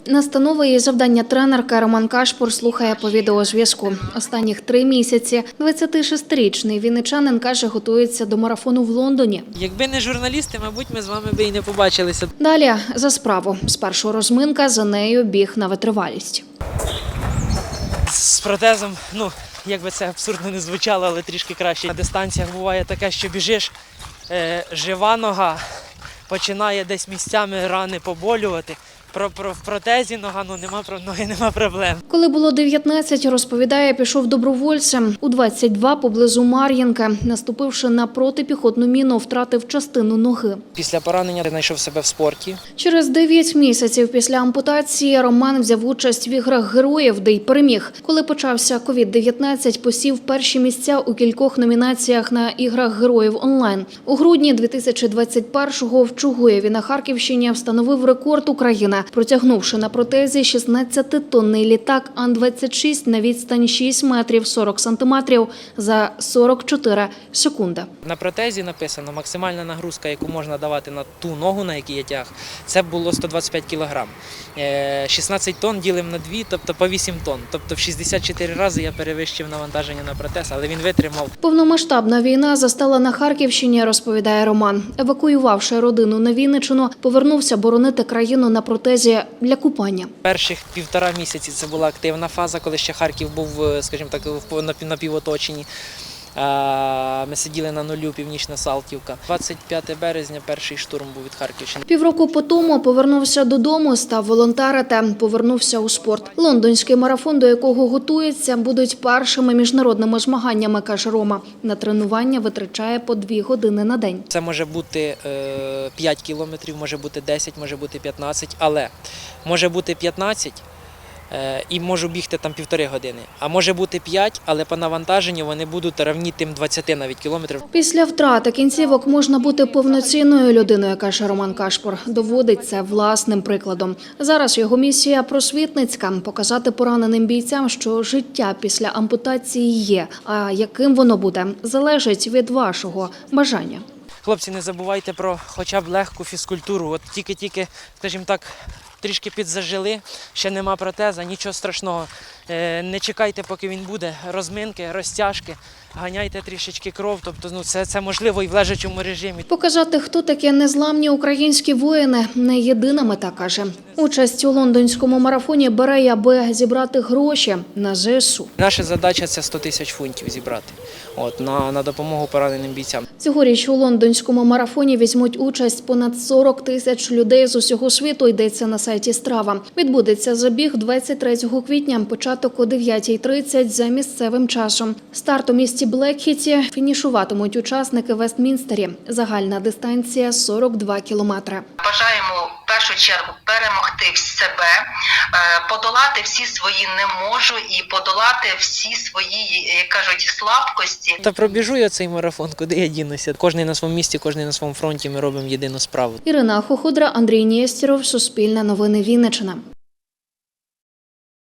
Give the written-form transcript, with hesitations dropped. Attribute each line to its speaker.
Speaker 1: Настанови і завдання тренерка Роман Кашпур слухає по відеозв'язку. Останніх 3 місяці 26-річний вінничанин, каже, готується до марафону в Лондоні.
Speaker 2: Якби не журналісти, мабуть, ми з вами би і не побачилися.
Speaker 1: Далі за справу. Спершу розминка, за нею біг на витривалість.
Speaker 2: З протезом, як би це абсурдно не звучало, але трішки краще. На дистанціях буває таке, що біжиш, жива нога, починає десь місцями рани поболювати. В протезі нема проблем.
Speaker 1: Коли було 19, розповідає, пішов добровольцем. У 22 поблизу Мар'їнка, наступивши на протипіхотну міну, втратив частину ноги.
Speaker 2: Після поранення знайшов себе в спорті.
Speaker 1: Через 9 місяців після ампутації Роман взяв участь в іграх героїв, де й переміг. Коли почався COVID-19, посів перші місця у кількох номінаціях на іграх героїв онлайн. У грудні 2021-го в Чугуєві на Харківщині встановив рекорд України, протягнувши на протезі 16-тонний літак Ан-26 на відстань 6 метрів 40 сантиметрів за 44 секунди.
Speaker 2: На протезі написано, максимальна нагрузка, яку можна давати на ту ногу, на якій я тяг, це було 125 кілограм. 16 тонн ділимо на 2, тобто по 8 тонн. Тобто в 64 рази я перевищив навантаження на протез, але він витримав.
Speaker 1: Повномасштабна війна застала на Харківщині, розповідає Роман. Евакуювавши родину на Вінниччину, повернувся боронити країну на протезі для купання.
Speaker 2: Перших 1,5 місяці це була активна фаза, коли ще Харків був, скажімо так, в напівоточенні. Ми сиділи на нулю, Північна Салтівка. 25 березня перший штурм був від Харківщини.
Speaker 1: Півроку по тому повернувся додому, став волонтерити, повернувся у спорт. Лондонський марафон, до якого готується, будуть першими міжнародними змаганнями, каже Рома. На тренування витрачає по 2 години на день.
Speaker 2: Це може бути 5 кілометрів, може бути 10, може бути 15, але може бути 15 і можу бігти там 1,5 години. А може бути 5, але по навантаженню вони будуть равні тим 20 навіть кілометрів.
Speaker 1: Після втрати кінцівок можна бути повноцінною людиною, каже Роман Кашпур. Доводить це власним прикладом. Зараз його місія просвітницька – показати пораненим бійцям, що життя після ампутації є, а яким воно буде, залежить від вашого бажання.
Speaker 2: Хлопці, не забувайте про хоча б легку фізкультуру. От тільки, скажімо так, трішки підзажили, ще нема протеза, нічого страшного. Не чекайте, поки він буде. Розминки, розтяжки, ганяйте трішечки кров. Тобто, це можливо і в лежачому режимі.
Speaker 1: Показати, хто такі незламні українські воїни – не єдина мета, каже. Участь у лондонському марафоні бере, аби зібрати гроші на ЗСУ.
Speaker 2: Наша задача – це 100 тисяч фунтів зібрати на допомогу пораненим бійцям.
Speaker 1: Цьогоріч у лондонському марафоні візьмуть участь понад 40 тисяч людей з усього світу, йдеться на сайті Страва. Відбудеться забіг 23 квітня, початок о 9:30 за місцевим часом. Старт у місті Блекхіті, фінішуватимуть учасники в Вестмінстері. Загальна дистанція – 42 кілометри.
Speaker 3: Бажаємо в першу чергу перемогти себе, подолати всі свої «не можу» і подолати всі свої, як кажуть, слабкості.
Speaker 2: Та пробіжу я цей марафон, куди я дінуся. Кожний на своєму місці, кожний на своєму фронті, ми робимо єдину справу.
Speaker 1: Ірина Хоходра, Андрій Нєстєров, Суспільне новини Вінниччина.